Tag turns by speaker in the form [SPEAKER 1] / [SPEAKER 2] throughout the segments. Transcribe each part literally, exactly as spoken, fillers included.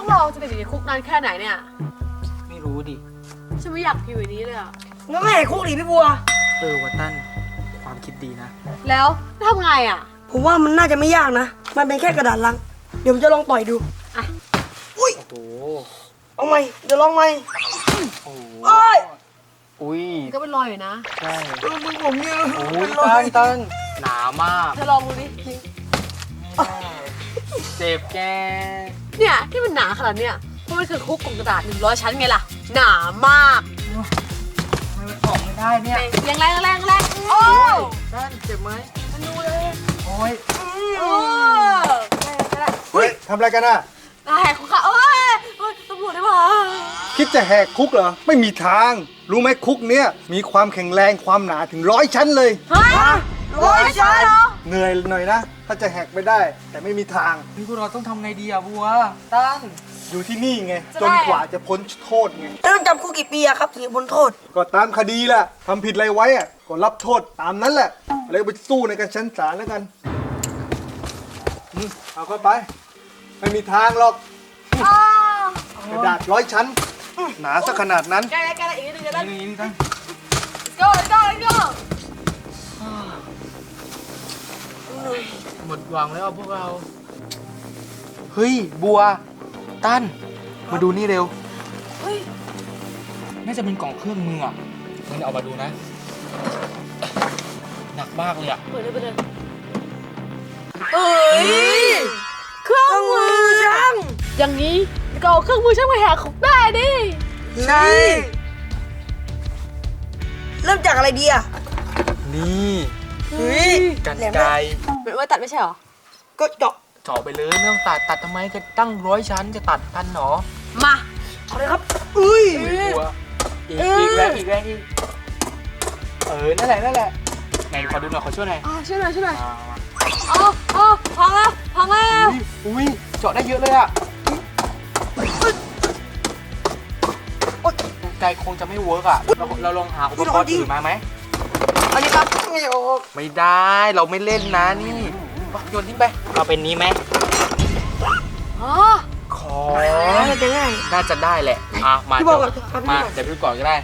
[SPEAKER 1] เราจะติดอยู่ในคุกนานแค่ไหนเนี่ย
[SPEAKER 2] ไม่รู้ดิ
[SPEAKER 1] ฉันไม่อยากอยู่ในนี้เลยอะ
[SPEAKER 3] งั้นไม่ให้คุกดิพี่บัว
[SPEAKER 2] เออวัตตันความคิดดีนะ
[SPEAKER 1] แล้วทำไงอ่ะ
[SPEAKER 3] ผมว่ามันน่าจะไม่ยากนะมันเป็นแค่กระดาษลังเดี๋ยวผมจะลองต่อยดู
[SPEAKER 1] อ่ะ
[SPEAKER 3] อุ้ย
[SPEAKER 2] โอ้โห
[SPEAKER 3] เอาไหมเดี๋ยวลองไหม
[SPEAKER 2] โอ้โห
[SPEAKER 3] โอ้ย
[SPEAKER 2] อุ้ย
[SPEAKER 1] ก็เป็นรอยอยู่นะ
[SPEAKER 2] ใช่
[SPEAKER 3] เออมึงผมเนี่ย
[SPEAKER 2] โอ้ยตันตันหนามาก
[SPEAKER 1] เธอลองดูดิ
[SPEAKER 2] เจ็บแก
[SPEAKER 1] เนี่ยที่มันหนาขนาดเนี้ยเพราะมันคือคุกของกระดาษหนึ่งร้อยชั้นไงล่ะหนามาก
[SPEAKER 2] มันออกไม่ได้เนี่ย
[SPEAKER 1] ยังแรงแรงแรงโอ้ย
[SPEAKER 2] ตันเจ็บไหม
[SPEAKER 1] มันดูเลย
[SPEAKER 2] โอ้ย
[SPEAKER 1] โอ้
[SPEAKER 4] เฮ้ยทำอะไรกันน่ะ
[SPEAKER 1] นายคุกค่ะโอ้ยตำรวจได้ปะ
[SPEAKER 4] คิดจะแหกคุกเหรอไม่มีทางรู้ไหมคุกเนี้ยมีความแข็งแรงความหนาถึงร้อยชั้นเลย
[SPEAKER 1] ฮะร้อยชั้นเหรอ
[SPEAKER 4] เหนื่อยหน่อยนะถ้าจะแหกไปได้แต่ไม่มีทาง
[SPEAKER 2] นี่พวกเราต้องทำไงดีอะบัวตัน
[SPEAKER 4] อยู่ที่นี่ไงจนกว่าจะพ้นโทษไง
[SPEAKER 3] ต้องจำคุกกี่ปีอะครับถึงจะพ้นโทษ
[SPEAKER 4] ก็ตามคดีแหละทำผิดอะไรไว้อะก็รับโทษตามนั้นแหละแล้วไปสู้ในกันชั้นศาลแล้วกันเอาเข้าไปไม่มีทางหรอกกระดาษร้อยชั้นหนาสักขนาดนั้น
[SPEAKER 1] ใกล้ใกล้อีกนิดนึงจะได้
[SPEAKER 2] นี่นี่ตัน
[SPEAKER 1] go go go
[SPEAKER 2] หมดหวังแล้วพวกเราเฮ้ยบัวตันมาดูนี่เร็ว
[SPEAKER 1] เฮ้ย
[SPEAKER 2] น่าจะเป็นกล่องเครื่องมืออ่ะงั้นเอามาดูนะหนักมากเลยอ่ะ
[SPEAKER 1] เปิดเลยเปิดเลยเอ้ยเครื่องมือช่างอย่างนี้ก็เอาเครื่องมือช่างมาแหกคุกได้ดิ
[SPEAKER 3] ใช่เริ่มจากอะไรดีอะ
[SPEAKER 2] นี่
[SPEAKER 3] เฮ้ย
[SPEAKER 2] กันไกร
[SPEAKER 1] เป็นว่าตัดไม่ใช่หรอ
[SPEAKER 3] ก็เจาะ
[SPEAKER 2] เจาะไปเลยไม่ต้องตัดตัดทำไมก็ตั้งร้อยชั้นจะตัดทันหรอ
[SPEAKER 1] มา
[SPEAKER 3] เอาเลยครับอุ้ย
[SPEAKER 2] บัวอีกอีกแรงอีกแรงอีกเออนั่นแหละนั่นแหละไหนขอดูหน่อยขอช่วยหน่อย
[SPEAKER 1] อ่าช่วยหน่อยช่วยหน่อยอ๋ออ๋อพังแล้วพังแล้ว
[SPEAKER 2] อุ้ยเจาะได้เยอะเลยอ่ะไกลคงจะไม่เวิร์กอ่ะเราเราลองหาอุปกรณ์อื่นมาไหม
[SPEAKER 3] อันนี้ครับไม่ออก
[SPEAKER 2] ไม่ได้เราไม่เล่นนะนี่โยนทิ้งไปเอาเป็นนี้ไหม
[SPEAKER 1] อ๋อ
[SPEAKER 2] ขอ
[SPEAKER 3] น่าจะง่าย
[SPEAKER 2] น่าจะได้แหละอ่ะมามาเดี๋ยวพี่ก่อนก็ได้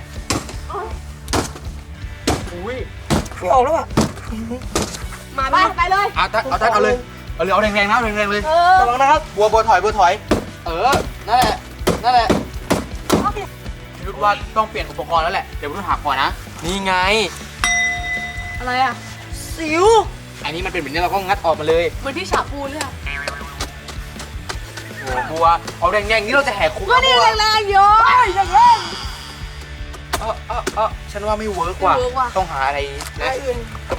[SPEAKER 2] อุ้ย
[SPEAKER 3] ไม่ออกแล้วอ่ะ
[SPEAKER 1] มาไปไปเลย
[SPEAKER 2] เอาตัดเอาตัดเอาเลยเอาเลยเอาแรงๆนะแรงๆเลย
[SPEAKER 3] ระวังนะครับ
[SPEAKER 2] บัวบัวถอยบัวถอยเออนั่นแหละนั่นแหละพี่รุดว่าต้องเปลี่ยนอุปกรณ์แล้วแหละเดี๋ยวพี่รุดหาก่อนนะนี่ไง
[SPEAKER 1] อะไรอ่ะ
[SPEAKER 3] สิว
[SPEAKER 2] อันนี้มันเป็นแบบนี้เราก็งัดออกมาเลย
[SPEAKER 1] เหมือนที่ฉาปูเลยอ่ะ
[SPEAKER 2] โอ้บัวเอาแรงๆนี้เราจะแหกคุก
[SPEAKER 1] ก็นี่แรงๆเยอะอย่างแรง
[SPEAKER 2] เออเออเออฉันว่าไม่เวิร์กว่ะต้องหาอะไร
[SPEAKER 3] อะไรอื่น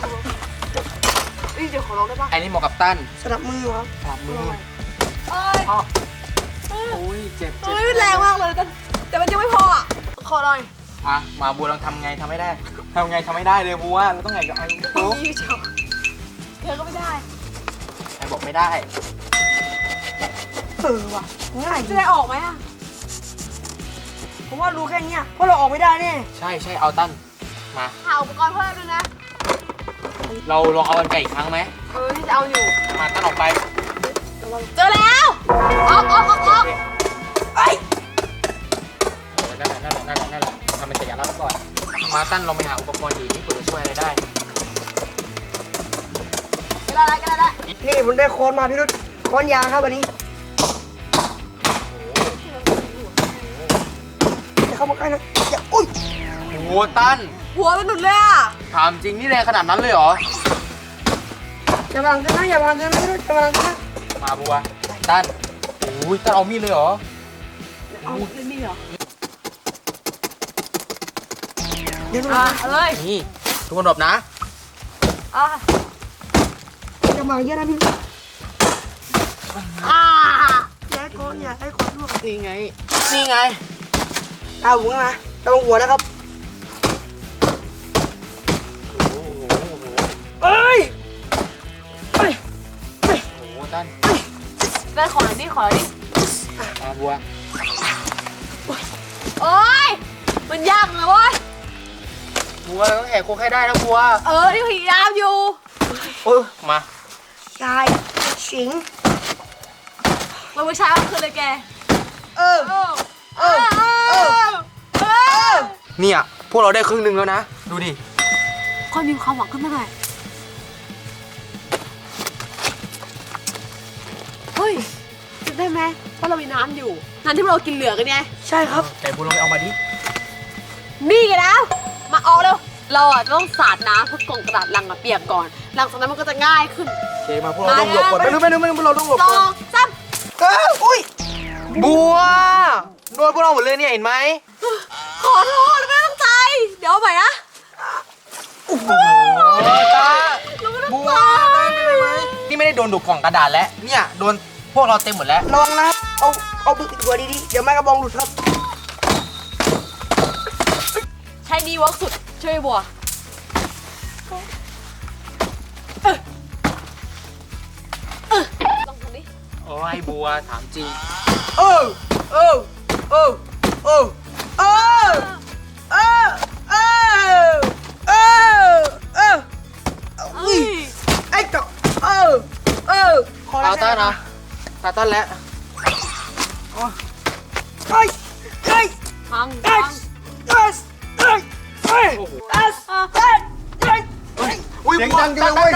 [SPEAKER 1] นี่เดี๋ยวขอร้องได้ปะ
[SPEAKER 2] อันนี้เหมาะกับตั้น
[SPEAKER 3] สลับมือครับ
[SPEAKER 2] สลับมือ
[SPEAKER 1] เอ้ย
[SPEAKER 2] โอ้ยเจ็บเจ็บ
[SPEAKER 1] แรงมากเลยแต่แต่มันยังไม่พออ่ะขอหน่อย
[SPEAKER 2] อ่ะมาบัวลองทำไงทำไม่ได้ทำไงทำไม่ได้เลยบัวเราต้องไงกับไอ้โต๊ะ
[SPEAKER 1] เธอก็ไม่ได้
[SPEAKER 2] ไอ้บอกไม่ได้
[SPEAKER 3] เออว่ะง่าย
[SPEAKER 1] จะได้ออกไหมอ่ะ
[SPEAKER 3] ผมว่ารู้แค่นี้เพราะเราออกไม่ได้แน่
[SPEAKER 2] ใช่ใช่เอาตั้นมา
[SPEAKER 1] หาอุปกรณ์เพิ่มด้วยนะ
[SPEAKER 2] เราลองเอากันไก่อีกครั้งไหม
[SPEAKER 1] เออที่จะเอาอยู่
[SPEAKER 2] มาตั้นออกไป
[SPEAKER 1] เจอแล้วออกออกออกออก
[SPEAKER 3] ไอ้
[SPEAKER 2] นั่นแหละนั่นแหละนั่นแหละนั่นแหละทำเป็นสัญลักษณ์ก่อนมาตั้นลองไปหาอุปกรณ์อื่นที่เผื่อจะช่วยอะไรได้
[SPEAKER 1] ก็ได้ก็ได้
[SPEAKER 3] นี่ผมได้ค้อนมาพี่รุ่นค้อนยางครับวันนี้จะเข้ามาใกล้นะอย่าอุ้ย
[SPEAKER 2] โอ้ตั้น
[SPEAKER 1] หัวมันหนุนเลยอ่ะ
[SPEAKER 2] ถามจริงนี่แรงขนาดนั้นเลยเหรอ
[SPEAKER 3] อย่ามาลังกันนะอย่ามาลังกันนะพี่รุ่นอย่ามาลังกันนะ
[SPEAKER 2] มาบัวตั้นโอ้ยตั้นเอามีดเลยเหรอ
[SPEAKER 1] เอาเล่นมีดเหรอ
[SPEAKER 3] เดี๋ยว
[SPEAKER 1] อ่ะเลย
[SPEAKER 2] นี่ทุกคนหลบนะ
[SPEAKER 1] อ่ะ
[SPEAKER 3] อย่ามาเยอะนะพี่
[SPEAKER 1] อ่า
[SPEAKER 3] อย่าให้ค้อนอย่าให้ค้อนลูก
[SPEAKER 2] นี่ไงนี่ไง
[SPEAKER 3] เอาหัวนะระวังหัวนะครับเอ้ยเอ้ย
[SPEAKER 2] โอ้โหตั้น
[SPEAKER 1] ได้ขอหน่อยดิขอหน่อยดิ
[SPEAKER 2] มาบัว
[SPEAKER 1] โอ๊ยมันยากเลยเว้ย
[SPEAKER 2] บัวเราต้องแหกโค้งให้ได้นะบัว
[SPEAKER 1] เออที่พยายามอยู่
[SPEAKER 2] เออมา
[SPEAKER 3] ชายสิง
[SPEAKER 1] มันไม่ใช่ก็คือเลยแก
[SPEAKER 2] เออเออเออเนี่ยพวกเราได้ครึ่งหนึ่งแล้วนะดูดิ
[SPEAKER 1] ค่อยมีความหวังขึ้นมาหน่อยเฮ้ยคิดได้ไหมว่าเรามีน้ำอยู่น้ำที่เรากินเหลือกันไง
[SPEAKER 3] ใช่ครับ
[SPEAKER 2] แต่พวกเราไปเอามาดิ
[SPEAKER 1] นี่ไงนะมาเอาเร็วเราอ่ะต้องสาดน้ำเพื่อกล่องกระดาษลังอะเปียกก่อนหลังจากนั้นมันก็จะง่ายขึ้น
[SPEAKER 2] โอเคมาพวกเราต้องหลบก่อนไม่รู้ไม่รู้ไม่รู้พวกเราต้องหลบ
[SPEAKER 1] ส
[SPEAKER 2] ก่
[SPEAKER 1] อ
[SPEAKER 2] อน
[SPEAKER 1] งสาม
[SPEAKER 2] เอออุ้ยบัวโดนพวกเราหมดเลยเนี่ยเห็นไหม
[SPEAKER 1] ขอโทษไม่ตั้งใจ เดี๋ยวเอาใหม่นะ
[SPEAKER 2] โอ้โหตาบัวได้ไหมนี่ไม่ได้โดนดูดกล่องกระดาษแล้วเนี่ยโดนพวกเราเต็มหมดแล้ว
[SPEAKER 3] ระวังนะครับ เอา เอาบึกติดหัวดีๆ เดี๋ยวไม้กระบองหลุดครับ
[SPEAKER 1] ใช้ดีเวิร์กสุดช่วยบัวเออเออลองทำดิ
[SPEAKER 2] โอ้ยบัวถามจริง
[SPEAKER 3] เออเออเออเออเออเออเออเออเออ
[SPEAKER 1] เอ้ย
[SPEAKER 3] ไอ้เจ้าเออเออขอ
[SPEAKER 2] ตาต้านนะตาต้านแล้ว
[SPEAKER 3] เฮ้ยเฮ้ย
[SPEAKER 1] พัง
[SPEAKER 3] เฮ้
[SPEAKER 1] พั
[SPEAKER 3] ย
[SPEAKER 1] ง
[SPEAKER 3] เฮ้ยเฮ้ยเฮ้ยเฮ้ยเฮ้ยเฮ้ยเฮ้ย
[SPEAKER 2] อุ้ย
[SPEAKER 4] เสียงดังจังเลยเว้ย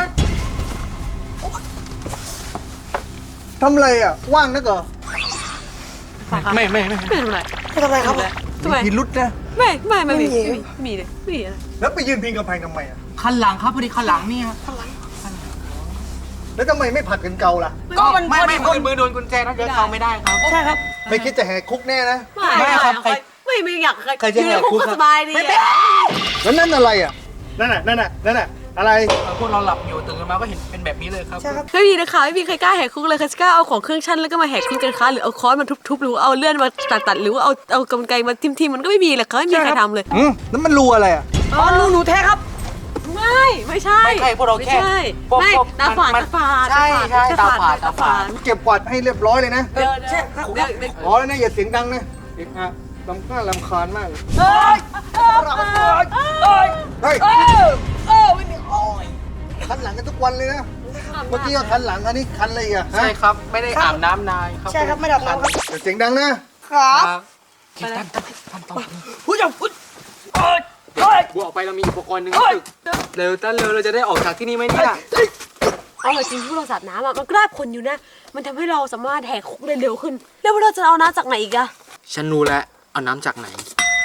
[SPEAKER 4] ทำอะไรอ่ะ ว่างนักเหรอ
[SPEAKER 2] ไม่ไม่ไม่
[SPEAKER 1] ไม่ทำไร
[SPEAKER 3] ไม่ทำไรครับ
[SPEAKER 1] ทำไม
[SPEAKER 4] มีพิรุษนะ
[SPEAKER 1] ไม่ไม่ไม่มี
[SPEAKER 3] ไม่มี
[SPEAKER 1] ไม่มีไม่มีเลยไม่มีอะไร
[SPEAKER 4] แล้วไปยืนพิงกำแพงทำไมอ่ะ
[SPEAKER 2] คันหลังครับพอดีคันหลังนี่ครับ
[SPEAKER 4] แล้วทำไมไม่ผัดกันเกาล่ะ
[SPEAKER 3] ก็มัน
[SPEAKER 2] ไม่ไม่
[SPEAKER 3] พอดี
[SPEAKER 2] มือมือโดนกุญแจนะเดี๋ยวเข้าไม่ได้ครับ
[SPEAKER 3] ใช่ครับ
[SPEAKER 4] ไม่คิดจะแหกคุกแน่นะ
[SPEAKER 1] ไม่
[SPEAKER 2] ไม่ครับใคร
[SPEAKER 1] ไม่ไม่อยาก
[SPEAKER 2] ใครจะ
[SPEAKER 1] อยู่
[SPEAKER 2] แห
[SPEAKER 1] ใน
[SPEAKER 2] ก
[SPEAKER 1] คุก
[SPEAKER 2] คุก
[SPEAKER 1] ก็
[SPEAKER 2] ครับ
[SPEAKER 1] สบายดีอะ
[SPEAKER 4] แล้วนั่นอะไรอ่ะ นั่นน่ะ นั่นน่ะ นั่นน่ะ อะไร
[SPEAKER 2] พวกเราหลับอยู่ตื่นมาก็เห็นเป็นแบบนี้เลยครับ
[SPEAKER 3] ใช่ครับ
[SPEAKER 1] ไม่มีนะคะไม่มีใครกล้าแหกคุกเลยใครจะกล้าเอาของเครื่องชั่นแล้วก็มาแหกคุกกันคะหรือเอาค้อนมาทุบๆหรือเอาเลื่อนมาตัดๆหรือว่าเอาเอากรรไกรมาทิ่มๆมันก็ไม่มีแหละเขาไม่มีใครทำเลย
[SPEAKER 4] อืมแล้วมันรูอะไรอ่ะ
[SPEAKER 3] อ๋อรูหนูแท้ครับ
[SPEAKER 1] ไม่ไม่ใช่
[SPEAKER 2] ไม่ใช่พวกเราแค่
[SPEAKER 1] ไม่ใช่
[SPEAKER 2] พวก
[SPEAKER 1] ไม่
[SPEAKER 2] พวก
[SPEAKER 1] ตาฝาด
[SPEAKER 2] มัน
[SPEAKER 1] ตาฝาด
[SPEAKER 2] ใช่ใช่ตาฝาดตาฝาด
[SPEAKER 4] เก็บกวาดให้เรียบร้อยเลยนะ
[SPEAKER 1] เดี๋ยว
[SPEAKER 3] ใช่
[SPEAKER 1] เดี๋ยว
[SPEAKER 3] ครับ
[SPEAKER 1] เดี๋ยวเดี๋ยว
[SPEAKER 4] อ๋อแล้วนะอย่าเสียงดังนะเอกอะลำคาญลำคาญมากเลย
[SPEAKER 3] เอ้ยเอ้ยเอ้ย
[SPEAKER 4] เฮ้ย
[SPEAKER 3] เอ้ยเอ้ยไม่มีโอ้ย
[SPEAKER 4] คันหลังกันทุกวันเลยนะ เมื่อกี้ก็คันหลังอันนี้คันอะไรอีกอ่ะฮะ
[SPEAKER 2] ใช่ครับไม่ได้อาบน้ำนานครับ
[SPEAKER 3] ใช่ครับไม่ดับน้ำครับ
[SPEAKER 4] อย่าเสียงดังนะ
[SPEAKER 3] ครับ
[SPEAKER 2] ครับคิดตั้นตั้นตั้นต่อ
[SPEAKER 3] พูดอย่าพูดเอ้ยเอ้ย
[SPEAKER 2] บัวออกไปเรามีอุปกรณ์หนึ่ง
[SPEAKER 3] เฮ้ย
[SPEAKER 2] เร็วตั้นเร็วเราจะได้ออกจากที่นี่ไหมเนี่ย
[SPEAKER 1] เอาจริงที่เราสาดน้ำอะมันก็ได้ผลอยู่นะ มันทำให้เราสามารถแหกคุกได้เร็วขึ้น แล้วเราจะเอาน้ำจากไหนอีกอะ
[SPEAKER 2] ฉันรู้แล้วเอาน้ำจากไหน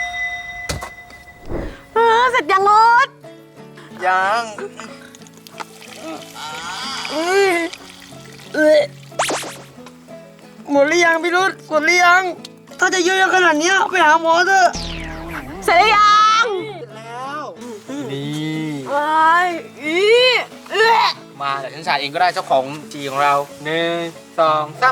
[SPEAKER 1] เออเสร็จยังรถ
[SPEAKER 2] ยัง
[SPEAKER 3] เอ้ยเอ้ยหมดหรือยังพี่รุธหมดหรือยัง ถ้าจะเยอะๆขนาดเนี้ยไปหาหมอเถอะ
[SPEAKER 1] เสร็จหรือยัง
[SPEAKER 2] นี่
[SPEAKER 1] ไอ้อีเอ๊ะ
[SPEAKER 2] มาเดี๋ยวฉันสาดเองก็ได้เจ้าของจีของเราหนึ่งสองสาม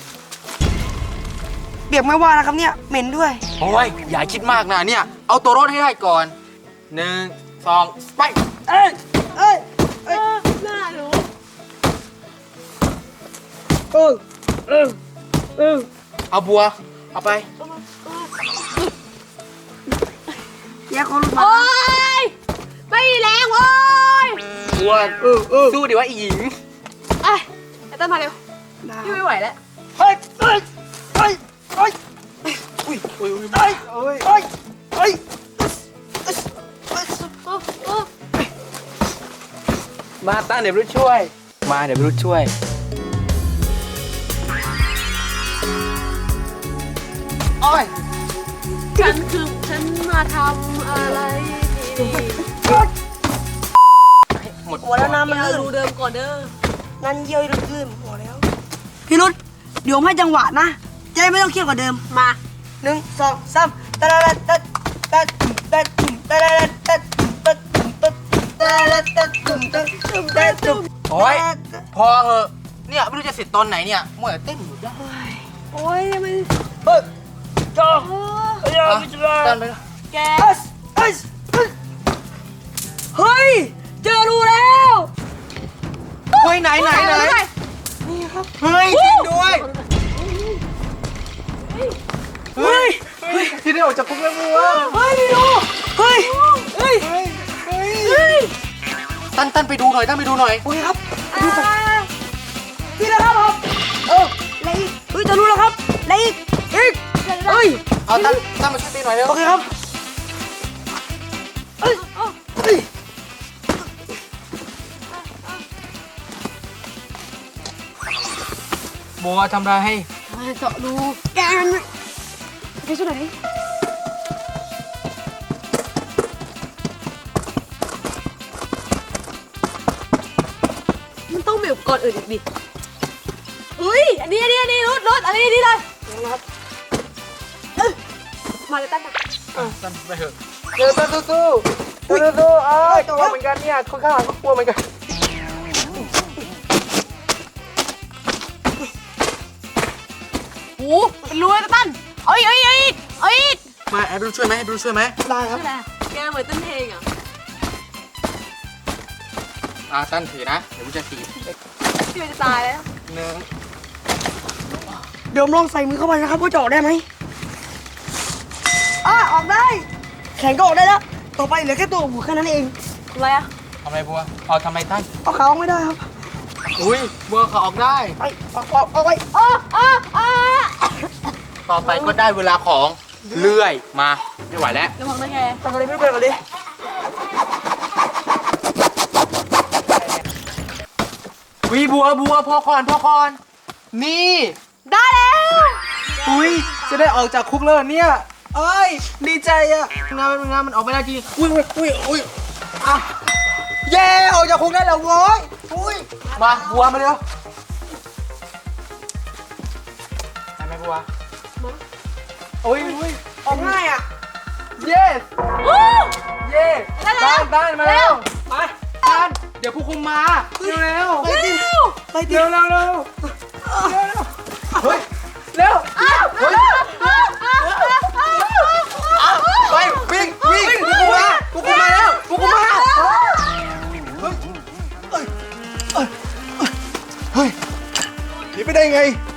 [SPEAKER 3] เปียกไม่ว่านะครับเนี่ยเหม็นด้วย
[SPEAKER 2] โอ้ยอย่าคิดมากนะเนี่ยเอาตัวรถให้ได้ก่อนหนึ่งสองไป
[SPEAKER 3] เอ้ยเอ้ย
[SPEAKER 1] เออน่ารู้
[SPEAKER 3] เออเออเออ
[SPEAKER 2] เอาบัวเอาไป
[SPEAKER 3] แยกคนลุกมา
[SPEAKER 1] โอ๊ยไม่มีแรงโอ๊ย
[SPEAKER 2] บัว
[SPEAKER 3] เออเออ
[SPEAKER 2] สู้ดิว่าอีหญิง
[SPEAKER 1] ไอ้ไอ้ต้นมาเร็วพี่ไม่ไหวแล้ว
[SPEAKER 3] เฮ้ยเฮ้ยเฮ้ยเฮ้ย
[SPEAKER 2] อุ้ยอุ้ยอุ้ย
[SPEAKER 3] เฮ้ยเฮ้ยเฮ้ยเฮ้ย
[SPEAKER 1] โอ้โอ้
[SPEAKER 2] มาตั้งเดี๋ยวรู้ช่วย มาเดี๋ยวรู้ช่วย
[SPEAKER 3] โอ้ย
[SPEAKER 1] ฉันคือฉันมาทำอะไรที่นี่
[SPEAKER 2] หมด
[SPEAKER 3] หัวแล้วน้ำมัน
[SPEAKER 1] เอา
[SPEAKER 3] ลื่น
[SPEAKER 1] ดูเดิมก่อนเด้อ
[SPEAKER 3] นั่นเยี่ยวลื่นหัวแล้ว พี่รุธเดี๋ยวผมให้จังหวะนะจะได้ไม่ต้องเครียดกว่าเดิม
[SPEAKER 1] มา
[SPEAKER 3] หนึ่งสองสามตะละละตะตะตะตะละละตะตะตะตะละตะตุ่มตะตุ่มตะตุ่ม
[SPEAKER 2] โอ้ยพอเหอะเนี่ยไม่รู้จะเสร็จตอนไหนเนี่ยมัวแต่เต้นอยู่ได้
[SPEAKER 1] โอ๊ยมัน
[SPEAKER 3] เฮ้ยจ้าเฮ้ย
[SPEAKER 2] อ่ะ
[SPEAKER 3] ไม่ใช่
[SPEAKER 2] เต้นไป
[SPEAKER 1] แก
[SPEAKER 3] เฮ้ยเฮ้ยเฮ้ยเจอรูแล้ว
[SPEAKER 2] เฮ้ยไหนไหนไหน
[SPEAKER 3] นี่ครับ
[SPEAKER 2] เฮ้ยจริงด้วย
[SPEAKER 3] เฮ้ย
[SPEAKER 2] ที่ได้ออกจากคุกแล้วมัว
[SPEAKER 3] เฮ้ยพี่ดูเฮ้ยเฮ้ยเฮ้ย
[SPEAKER 2] ตั้นตั้นไปดูหน่อยตั้นไปดูหน่อย
[SPEAKER 3] โอเคครับไปดูกันนี่แหละครับผมเอออะไรอีกเฮ้ยจะรู้แล้วครับอะไรอีกอีกฮ้ย
[SPEAKER 2] เอาตั้งตั้งมาช่วยตีหน่อยเร็ว
[SPEAKER 3] โอเคครับเอ้ยเฮ้ย
[SPEAKER 2] บัวทำอะไรให้
[SPEAKER 1] เจาะรูแกนไปช่วยหน่อยดิมันต้องมีอุปกรณ์อื่นอีกดิอุ้ยอันนี้อันนี้อันนี้รถรถอันนี้อันนี้เลยนะครับเอ้ยมาเลยตั้งนะ
[SPEAKER 2] ตั้งไปเถอะ
[SPEAKER 3] เดินสู้สู้สู้สู้สู้เอ้ยกลัวเหมือนกันเนี่ยคนข้างหลังก็กลัวเหมือนกัน
[SPEAKER 1] โอ้เป็นรูเลยตั้นเอาอีกเอาอีกเอาอีกเอาอีก
[SPEAKER 2] มาแอบดูช่วยไหมแอบดูช่วยไหม
[SPEAKER 3] ได้ครับ
[SPEAKER 1] ใช่ไหมแกเหมือนเต้นเพลงอ่ะ
[SPEAKER 2] อ่าตั้นถือนะเดี๋ยวกูจะตี
[SPEAKER 1] พี่มันจะตายแล้ว
[SPEAKER 2] หนึ่ง
[SPEAKER 3] เดี๋ยวลองใส่มือเข้าไปนะครับว่าจะออกได้ไหมอ่ะออกได้ แขนก็ออกได้แล้ว ต่อไปเหลือแค่ตัวหัวแค่นั้นเอง
[SPEAKER 1] ทำไมอ่ะ
[SPEAKER 2] ทำไมบัวเอาทำไมตั้น
[SPEAKER 3] เอาขาออกไม่ได้ครับ
[SPEAKER 2] อุ้ยบัวเขาออกได้
[SPEAKER 3] ไปออกออกออกไป
[SPEAKER 1] อ้ออ้ออ้อ
[SPEAKER 2] ต่อไปก็ได้เวลาของเลื่อยมาไม่ไหวแล้ว
[SPEAKER 1] ระวังนะแก
[SPEAKER 3] ทำอะไรไม่เป็นก่อนดิ
[SPEAKER 2] วิบัวบัวพอก่อนพอก่อนนี่
[SPEAKER 1] ได้แล้ว
[SPEAKER 2] อุ้ยจะได้ออกจากคุกแล้วเหรอเนี่ยเอ้ยดีใจอะงานงานมันออกไม่ได้จริงอุ้ยอุ้ยอุ้ยอุ้ยอ่ะเย้ออกจากคุกได้แล้วโว้ยอุ้ยมาบัวมาเร็วได้ไหมบัวโอ้ยอุ้ย
[SPEAKER 3] ออกง่ายอ่ะ
[SPEAKER 2] เย้
[SPEAKER 1] วู้
[SPEAKER 2] เย้
[SPEAKER 1] ได้แล้ว
[SPEAKER 2] ได้มา
[SPEAKER 1] เร็
[SPEAKER 2] เร็
[SPEAKER 1] ว
[SPEAKER 2] วมาด้านเดี๋ยวผู้คุมมาเร็วเร็ว
[SPEAKER 3] ไปดิไปดิ
[SPEAKER 2] เร็วเร็วเร็วเฮ้ยเร็ว
[SPEAKER 1] อ้าวอ้าวอ้าวอ้าวอ้าว
[SPEAKER 2] ไปวิ่งวิ่งผู้คุมมาผู้คุมมาแล้วผู้คุมมา
[SPEAKER 4] เฮ้ยหนีไปได้ไง